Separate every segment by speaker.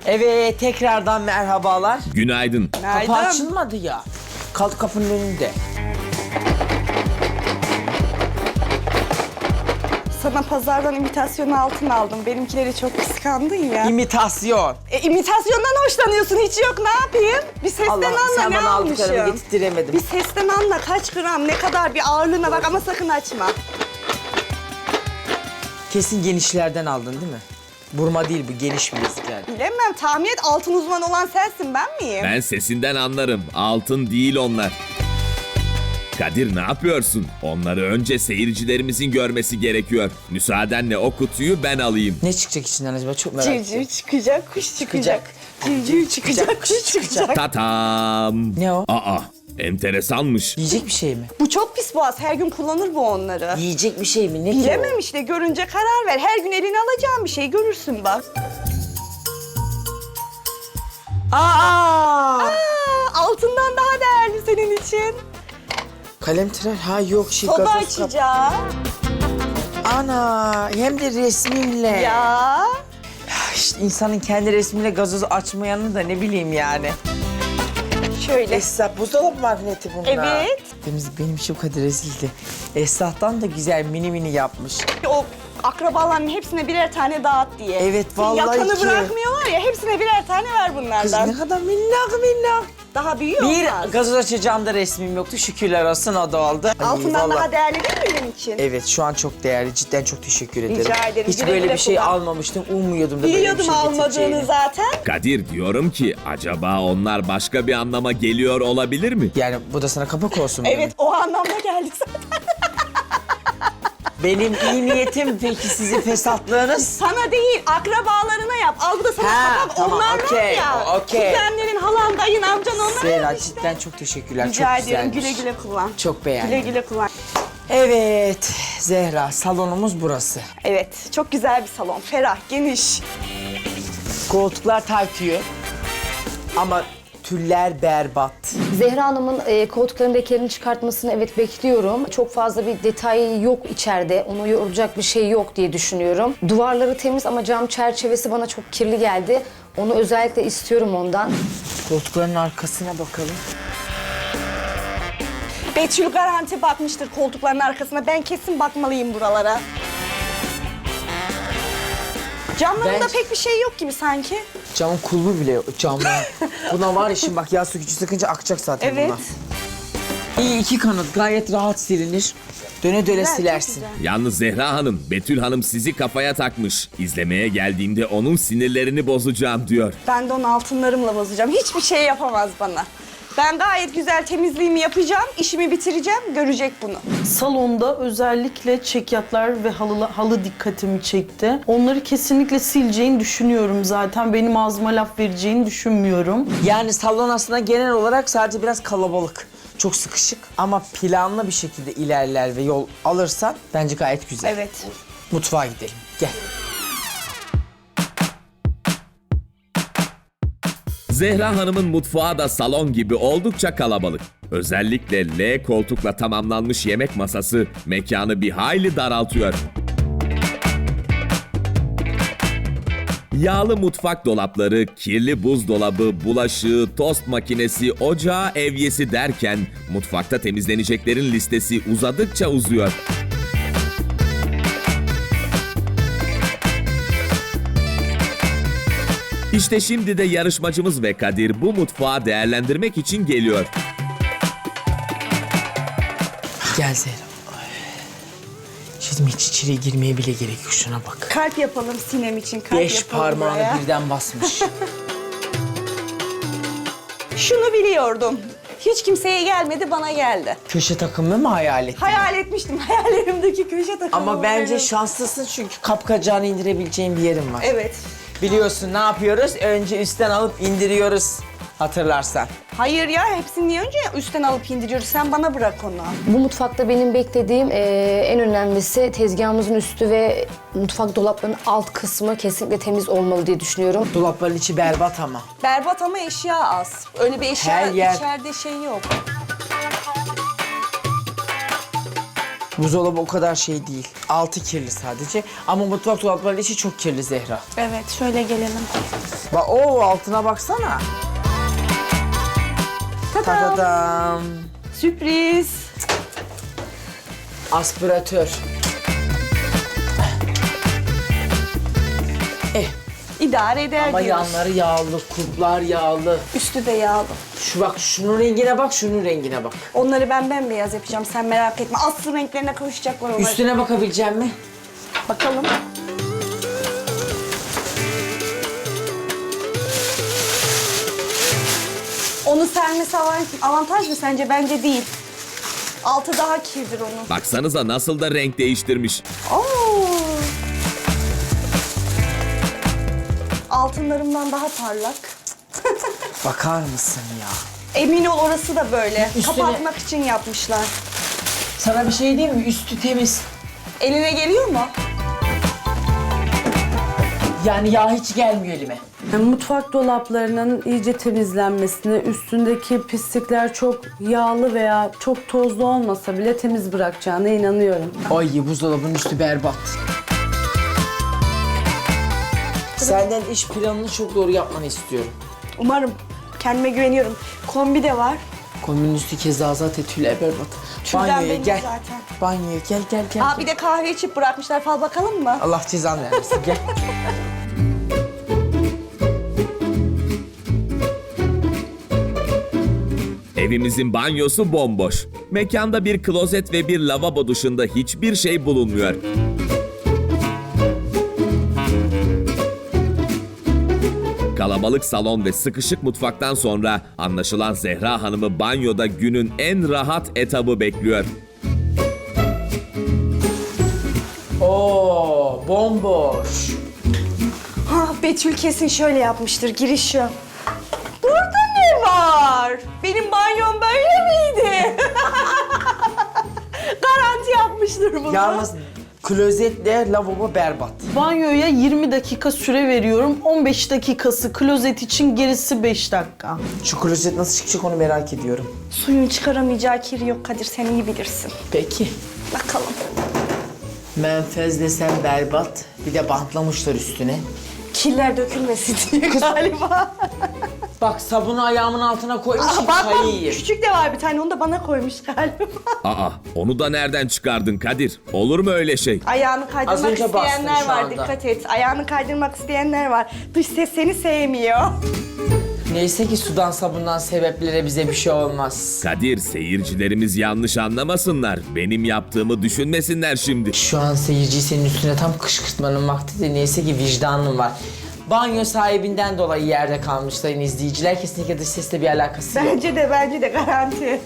Speaker 1: Evet, tekrardan merhabalar.
Speaker 2: Günaydın.
Speaker 1: Kapı açılmadı ya. Kalk kapının önünde.
Speaker 3: Sana pazardan imitasyon altın aldım. Benimkileri çok kıskandın ya.
Speaker 1: İmitasyon.
Speaker 3: İmitasyondan hoşlanıyorsun. Hiç yok, ne yapayım? Bir sesten
Speaker 1: Allah,
Speaker 3: anla
Speaker 1: sen
Speaker 3: ne
Speaker 1: bana aldıklarımı
Speaker 3: almışım.
Speaker 1: getirtiremedim.
Speaker 3: Bir sesten anla kaç gram, ne kadar bir ağırlığına bak ama sakın açma.
Speaker 1: Kesin genişlerden aldın değil mi? Burma değil bu, geniş bileziklerden.
Speaker 3: Bilemem, tahmin et, altın uzmanı olan sensin, ben miyim?
Speaker 2: Ben sesinden anlarım. Altın değil onlar. Kadir ne yapıyorsun? Onları önce seyircilerimizin görmesi gerekiyor. Müsaadenle o kutuyu ben alayım.
Speaker 1: Ne çıkacak içinden acaba? Çok merak ettim.
Speaker 3: Civciv çıkacak, kuş çıkacak. Civciv çıkacak, kuş çıkacak.
Speaker 2: Tatam.
Speaker 1: Ne o?
Speaker 2: Aa, enteresanmış.
Speaker 1: Yiyecek bir şey mi?
Speaker 3: Bu çok pis boğaz, her gün kullanır bu onları.
Speaker 1: Yiyecek bir şey mi? Ne ki o?
Speaker 3: Bilemem işte, görünce karar ver. Her gün eline alacağın bir şey, görürsün bak.
Speaker 1: Aa!
Speaker 3: Altından daha değerli senin için.
Speaker 1: Kalem tırar. Ha yok şey
Speaker 3: Soda
Speaker 1: gazoz kap.
Speaker 3: açacağım.
Speaker 1: Ana hem de resminle.
Speaker 3: Ya.
Speaker 1: İşte insanın kendi resmiyle gazoz açmayanı da ne bileyim yani.
Speaker 3: Şöyle.
Speaker 1: Esnaf buzdolabı magneti bunlar.
Speaker 3: Evet.
Speaker 1: Benim için bu kadar rezildi. Esnaf'tan da güzel mini mini yapmış.
Speaker 3: O akrabaların hepsine birer tane dağıt diye.
Speaker 1: Evet, vallahi
Speaker 3: Yakanı
Speaker 1: ki.
Speaker 3: bırakmıyorlar ya, hepsine birer tane ver
Speaker 1: Kız
Speaker 3: bunlardan.
Speaker 1: ne kadar minnak.
Speaker 3: Daha büyüyor
Speaker 1: Bir
Speaker 3: olmaz.
Speaker 1: gazoz açacağım da resmim yoktu. Şükürler olsun o da oldu. Ay,
Speaker 3: Altından
Speaker 1: vallahi.
Speaker 3: daha değerli değil mi benim için?
Speaker 1: Evet şu an çok değerli. Cidden çok teşekkür ederim.
Speaker 3: Rica ederim.
Speaker 1: Hiç
Speaker 3: Güle
Speaker 1: böyle
Speaker 3: güle
Speaker 1: bir şey
Speaker 3: kullan.
Speaker 1: almamıştım. Ummuyordum da böyle bir
Speaker 3: Biliyordum
Speaker 1: şey
Speaker 3: almadığını
Speaker 1: getireceğini.
Speaker 3: zaten.
Speaker 2: Kadir diyorum ki acaba onlar başka bir anlama geliyor olabilir mi?
Speaker 1: Yani bu da sana kapak olsun.
Speaker 3: Evet, o anlamda geldi zaten.
Speaker 1: Benim iyi niyetim peki sizin fesatlığınız.
Speaker 3: Sana değil, akrabalarına yap. Al bu da sana
Speaker 1: Ha,
Speaker 3: kapak.
Speaker 1: tamam,
Speaker 3: Onlar var
Speaker 1: okey,
Speaker 3: ya.
Speaker 1: okey.
Speaker 3: Kuzenlerin, halan, dayın, amcan onlar
Speaker 1: Zehra
Speaker 3: işte.
Speaker 1: cidden çok teşekkürler.
Speaker 3: Rica
Speaker 1: çok
Speaker 3: ediyorum.
Speaker 1: güzelmiş.
Speaker 3: Güle güle kullan.
Speaker 1: Çok beğendim.
Speaker 3: Güle güle kullan.
Speaker 1: Evet Zehra salonumuz burası.
Speaker 3: Evet, çok güzel bir salon. Ferah, geniş.
Speaker 1: Koltuklar taytıyor. Ama tüller berbat.
Speaker 4: Zehra Hanım'ın koltukların lekerini çıkartmasını evet bekliyorum. Çok fazla bir detay yok içeride. Onu yoracak bir şey yok diye düşünüyorum. Duvarları temiz ama cam çerçevesi bana çok kirli geldi. Onu özellikle istiyorum ondan.
Speaker 1: Koltukların arkasına bakalım.
Speaker 3: Betül garanti bakmıştır koltukların arkasına. Ben kesin bakmalıyım buralara. Camlarında
Speaker 1: Ben-
Speaker 3: pek bir şey yok gibi sanki.
Speaker 1: Camın kulbu bile yok. Camlar. Buna var ya şimdi bak yağ sökücü sıkınca akacak zaten
Speaker 3: Evet.
Speaker 1: buna. İyi iki kanat gayet rahat silinir. Döne döne
Speaker 3: Güzel, çok
Speaker 1: silersin.
Speaker 3: güzel.
Speaker 2: Yalnız Zehra Hanım, Betül Hanım sizi kafaya takmış. İzlemeye geldiğimde onun sinirlerini bozacağım diyor.
Speaker 3: Ben de onu altınlarımla bozacağım. Hiçbir şey yapamaz bana. Ben gayet güzel temizliğimi yapacağım, işimi bitireceğim, görecek bunu.
Speaker 5: Salonda özellikle çekyatlar ve halı dikkatimi çekti. Onları kesinlikle sileceğini düşünüyorum zaten. Benim ağzıma laf vereceğini düşünmüyorum.
Speaker 1: Yani salon aslında genel olarak sadece biraz kalabalık. Çok sıkışık ama planlı bir şekilde ilerler ve yol alırsan bence gayet güzel.
Speaker 3: Evet.
Speaker 1: Mutfağa gidelim. Gel.
Speaker 2: Zehra Hanım'ın mutfağı da salon gibi oldukça kalabalık. Özellikle L koltukla tamamlanmış yemek masası mekanı bir hayli daraltıyor. Yağlı mutfak dolapları, kirli buzdolabı, bulaşığı, tost makinesi, ocağı, evyesi derken mutfakta temizleneceklerin listesi uzadıkça uzuyor. İşte şimdi de yarışmacımız ve Kadir bu mutfağı değerlendirmek için geliyor.
Speaker 1: Gel Zehra. Ay. Şimdi hiç içeriye girmeye bile gerek yok. Şuna bak.
Speaker 3: Kalp yapalım Sinem için, kalp
Speaker 1: 5
Speaker 3: yapalım
Speaker 1: parmağını
Speaker 3: buraya.
Speaker 1: birden basmış.
Speaker 3: Şunu biliyordum. Hiç kimseye gelmedi, bana geldi.
Speaker 1: Köşe takımı mı hayal ettin?
Speaker 3: Hayal etmiştim, hayallerimdeki köşe takımı.
Speaker 1: Ama
Speaker 3: bu
Speaker 1: bence
Speaker 3: benim.
Speaker 1: şanslısın çünkü kapkacağını indirebileceğin bir yerin var.
Speaker 3: Evet.
Speaker 1: Biliyorsun ne yapıyoruz? Önce üstten alıp indiriyoruz. Hatırlarsan.
Speaker 3: Hayır ya, hepsini niye önce üstten alıp indiriyoruz? Sen bana bırak onu.
Speaker 4: Bu mutfakta benim beklediğim en önemlisi tezgahımızın üstü ve mutfak dolaplarının alt kısmı kesinlikle temiz olmalı diye düşünüyorum.
Speaker 1: Dolapların içi berbat ama.
Speaker 3: Berbat ama eşya az. Öyle bir eşya
Speaker 1: Her yer-
Speaker 3: içeride şey yok.
Speaker 1: Buzdolabı o kadar şey değil. Altı kirli sadece. Ama mutfak dolaplarının içi çok kirli Zehra.
Speaker 3: Evet, şöyle gelelim.
Speaker 1: Bak o altına baksana. Tadam.
Speaker 3: Sürpriz.
Speaker 1: Aspiratör.
Speaker 3: İdare eder
Speaker 1: Ama
Speaker 3: diyoruz.
Speaker 1: yanları yağlı, kulplar yağlı.
Speaker 3: Üstü de yağlı.
Speaker 1: Şu bak şunun rengine bak, şunun rengine bak.
Speaker 3: Onları ben bembeyaz yapacağım, sen merak etme. Aslı renklerine kavuşacaklar onlar.
Speaker 1: Üstüne bakabileceğim mi?
Speaker 3: Bakalım. Onu sermesi avantaj mı sence? Bence değil. Altı daha kirdir onun.
Speaker 2: Baksanıza nasıl da renk değiştirmiş.
Speaker 3: Oo. Altınlarımdan daha parlak.
Speaker 1: Bakar mısın ya?
Speaker 3: Emin ol orası da böyle.
Speaker 1: Üstüne-
Speaker 3: Kapatmak için yapmışlar.
Speaker 1: Sana bir şey diyeyim mi? Üstü temiz.
Speaker 3: Eline geliyor mu?
Speaker 1: Yani yağ hiç gelmiyor elime.
Speaker 5: Yani mutfak dolaplarının iyice temizlenmesini, üstündeki pislikler çok yağlı veya çok tozlu olmasa bile temiz bırakacağına inanıyorum.
Speaker 1: Ay buzdolabının üstü berbat. Senden iş planını çok doğru yapmanı istiyorum.
Speaker 3: Umarım. Kendime güveniyorum. Kombi de var.
Speaker 1: Kombinin üstü keza zaten tüyler berbat.
Speaker 3: Tülden
Speaker 1: Banyoya
Speaker 3: benim
Speaker 1: gel.
Speaker 3: zaten.
Speaker 1: Banyoya gel.
Speaker 3: Aa bir de kahve içip bırakmışlar. Fal bakalım mı?
Speaker 1: Allah cezanı vermesin gel.
Speaker 2: Evimizin banyosu bomboş. Mekanda bir klozet ve bir lavabo dışında hiçbir şey bulunmuyor. Kalabalık salon ve sıkışık mutfaktan sonra anlaşılan Zehra Hanım'ı banyoda günün en rahat etabı bekliyor.
Speaker 1: Oo bomboş.
Speaker 3: Ha Betül kesin şöyle yapmıştır. Giriş şu. Burada ne var? Benim banyom böyle miydi? Garanti yapmıştır bunu.
Speaker 1: Yalnız klozetle lavabo berbat.
Speaker 5: Banyoya 20 dakika süre veriyorum. 15 dakikası klozet için, gerisi 5 dakika.
Speaker 1: Şu klozet nasıl çıkacak onu merak ediyorum.
Speaker 3: Suyun çıkaramayacağı kir yok Kadir. Sen iyi bilirsin.
Speaker 1: Peki.
Speaker 3: Bakalım.
Speaker 1: Menfez desem berbat. Bir de bantlamışlar üstüne.
Speaker 3: Kirler dökülmesin diye galiba.
Speaker 1: Bak sabunu ayağımın altına koymuşum
Speaker 3: Aa, bak
Speaker 1: çayı yiyeyim.
Speaker 3: küçük de var bir tane. Onu da bana koymuş galiba.
Speaker 2: Aa, onu da nereden çıkardın Kadir? Olur mu öyle şey?
Speaker 3: Ayağını
Speaker 1: Az
Speaker 3: kaydırmak
Speaker 1: önce bastın
Speaker 3: isteyenler
Speaker 1: şu
Speaker 3: var.
Speaker 1: anda.
Speaker 3: Dikkat et. Ayağını kaydırmak isteyenler var. Dış ses seni sevmiyor.
Speaker 1: Neyse ki sudan sabundan sebeplere bize bir şey olmaz.
Speaker 2: Kadir, seyircilerimiz yanlış anlamasınlar. Benim yaptığımı düşünmesinler şimdi.
Speaker 1: Şu an seyirciyi senin üstüne tam kışkırtmanın vakti de neyse ki vicdanın var. Banyo sahibinden dolayı yerde kalmış sayın izleyiciler. Kesinlikle dış sesle bir alakası yok.
Speaker 3: Bence de garanti.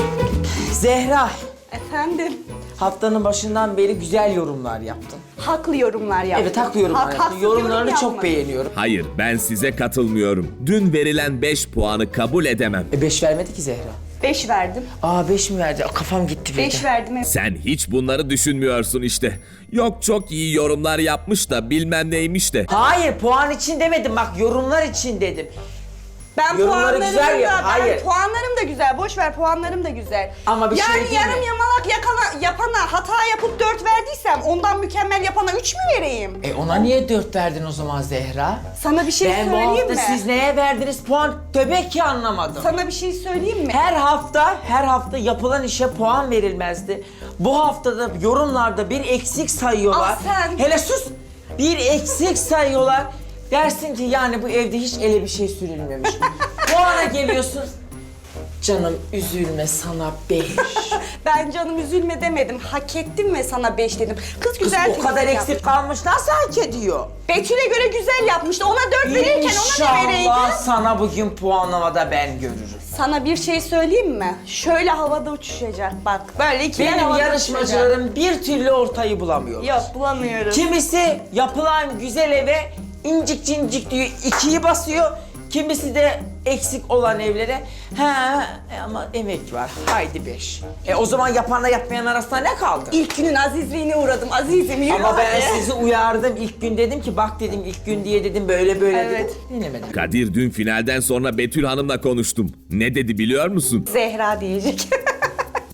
Speaker 1: Zehra,
Speaker 3: Efendim?
Speaker 1: haftanın başından beri güzel yorumlar yaptın.
Speaker 3: Haklı yorumlar yaptım.
Speaker 1: Evet haklı yorumlar yaptın.
Speaker 3: Haksız
Speaker 1: Yorumlarını
Speaker 3: yorum
Speaker 1: çok
Speaker 3: yapmadım.
Speaker 1: beğeniyorum.
Speaker 2: Hayır, ben size katılmıyorum. Dün verilen 5 puanı kabul edemem.
Speaker 1: 5 vermedi ki Zehra.
Speaker 3: 5 verdim.
Speaker 1: Aa 5 mi verdi? Aa, kafam gitti bir
Speaker 3: 5
Speaker 1: de.
Speaker 3: verdim.
Speaker 2: Sen hiç bunları düşünmüyorsun işte. Yok çok iyi yorumlar yapmış da bilmem neymiş de.
Speaker 1: Hayır puan için demedim bak yorumlar için dedim.
Speaker 3: Ben
Speaker 1: Yorumları
Speaker 3: puanlarım
Speaker 1: güzel
Speaker 3: da,
Speaker 1: yap, hayır.
Speaker 3: Ben puanlarım da güzel. Boş ver puanlarım da güzel.
Speaker 1: Ama bir şey
Speaker 3: yani
Speaker 1: değil
Speaker 3: yarım
Speaker 1: mi?
Speaker 3: yamalak yapana hata yapıp 4 verdiysem ondan mükemmel yapana 3 mü vereyim?
Speaker 1: Ona niye 4 verdin o zaman Zehra?
Speaker 3: Sana bir şey
Speaker 1: Ben bu
Speaker 3: söyleyeyim
Speaker 1: hafta
Speaker 3: mi?
Speaker 1: siz neye verdiniz puan? Demek ki anlamadım.
Speaker 3: Sana bir şey söyleyeyim mi?
Speaker 1: Her hafta yapılan işe puan verilmezdi. Bu haftada yorumlarda bir eksik sayıyorlar.
Speaker 3: Ah sen.
Speaker 1: Hele sus! Bir eksik sayıyorlar. Dersin ki yani bu evde hiç ele bir şey sürülmemiş. Puana geliyorsun. Canım üzülme sana 5.
Speaker 3: Ben canım üzülme demedim. Hak ettim ve sana 5 dedim. Kız güzel
Speaker 1: O kadar
Speaker 3: temizlik
Speaker 1: eksik
Speaker 3: yapmış.
Speaker 1: kalmış nasıl hak ediyor?
Speaker 3: Betül'e göre güzel yapmıştı. Ona 4 verirken ona ne vereydim?
Speaker 1: İnşallah sana bugün puanlamada ben görürüm.
Speaker 3: Sana bir şey söyleyeyim mi? Şöyle havada uçuşacak bak. Böyle ikiler
Speaker 1: Benim
Speaker 3: havada
Speaker 1: yarışmacılarım bir türlü ortayı bulamıyorlar.
Speaker 3: uçuşacak. Yok bulamıyoruz.
Speaker 1: Kimisi yapılan güzel eve incik cincik diyor 2'yi basıyor. Kimisi de eksik olan evlere ama emek var haydi 5. O zaman yapanla yapmayan arasında ne kaldı?
Speaker 3: İlk günün azizliğine uğradım. Azizim yürü
Speaker 1: Ama ben
Speaker 3: hadi.
Speaker 1: sizi uyardım ilk gün dedim ki bak dedim ilk gün diye dedim böyle
Speaker 3: Evet.
Speaker 1: dedim. Dinlemedim.
Speaker 2: Kadir dün finalden sonra Betül Hanım'la konuştum. Ne dedi biliyor musun?
Speaker 3: Zehra diyecek.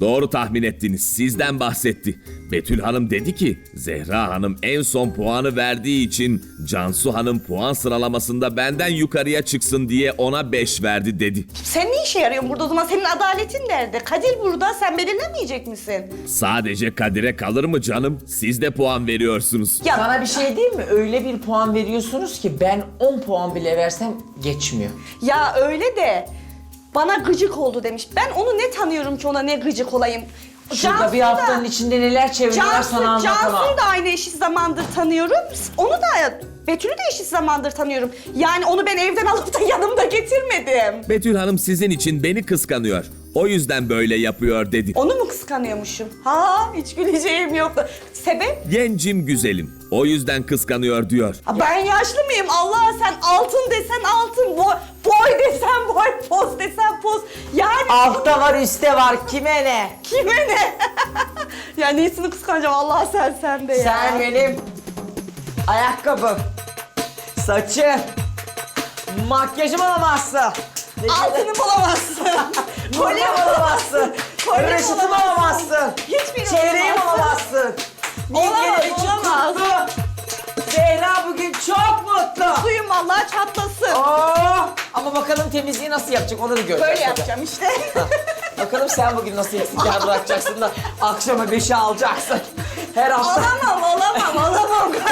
Speaker 2: Doğru tahmin ettiniz. Sizden bahsetti. Betül Hanım dedi ki Zehra Hanım en son puanı verdiği için Cansu Hanım puan sıralamasında benden yukarıya çıksın diye ona 5 verdi dedi.
Speaker 3: Sen ne işe yarıyorsun burada o zaman? Senin adaletin nerede? Kadir burada, sen belirlemeyecek misin?
Speaker 2: Sadece Kadir'e kalır mı canım? Siz de puan veriyorsunuz.
Speaker 3: Ya
Speaker 1: Sana bir şey değil mi? Öyle bir puan veriyorsunuz ki ben 10 puan bile versem geçmiyor.
Speaker 3: Ya öyle de bana gıcık oldu demiş. Ben onu ne tanıyorum ki ona ne gıcık olayım?
Speaker 1: Şurada bir haftanın içinde neler çeviriyorlar sana anlatamam.
Speaker 3: Cansu'yu da aynı eşit zamandır tanıyorum. Onu da Betül'ü de eşit zamandır tanıyorum. Yani onu ben evden alıp da yanımda getirmedim.
Speaker 2: Betül Hanım sizin için beni kıskanıyor. O yüzden böyle yapıyor dedi.
Speaker 3: Onu mu kıskanıyormuşum? Ha, hiç güleceğim yoktu. Sebep?
Speaker 2: Gencim güzelim. O yüzden kıskanıyor diyor.
Speaker 3: Ha, ben yaşlı mıyım? Allah, sen altın desen altın, boy desen boy, poz desen poz. Yani
Speaker 1: Altta var üstte var kime ne?
Speaker 3: kime ne? Ya neyisini kıskanacağım, Allah sen de ya.
Speaker 1: Sen benim ayakkabım, saçım, makyajım alamazsın.
Speaker 3: Altını bulamazsın.
Speaker 1: Kolye alamazsın.
Speaker 3: Kolye
Speaker 1: Röşitimi
Speaker 3: bulamazsın.
Speaker 1: alamazsın.
Speaker 3: Hiçbirini
Speaker 1: Çeyreğim
Speaker 3: bulamazsın.
Speaker 1: alamazsın.
Speaker 3: Olamaz,
Speaker 1: Bilgeler için
Speaker 3: olamaz.
Speaker 1: kutlu. Zehra bugün çok mutlu.
Speaker 3: Suyum vallahi çatlasın.
Speaker 1: Oh! Ama bakalım temizliği nasıl yapacak onu da göreceğiz.
Speaker 3: Böyle yapacağım işte.
Speaker 1: Bakalım sen bugün nasıl eksikler bırakacaksın da akşama 5'i alacaksın. Her hafta.
Speaker 3: Olamam.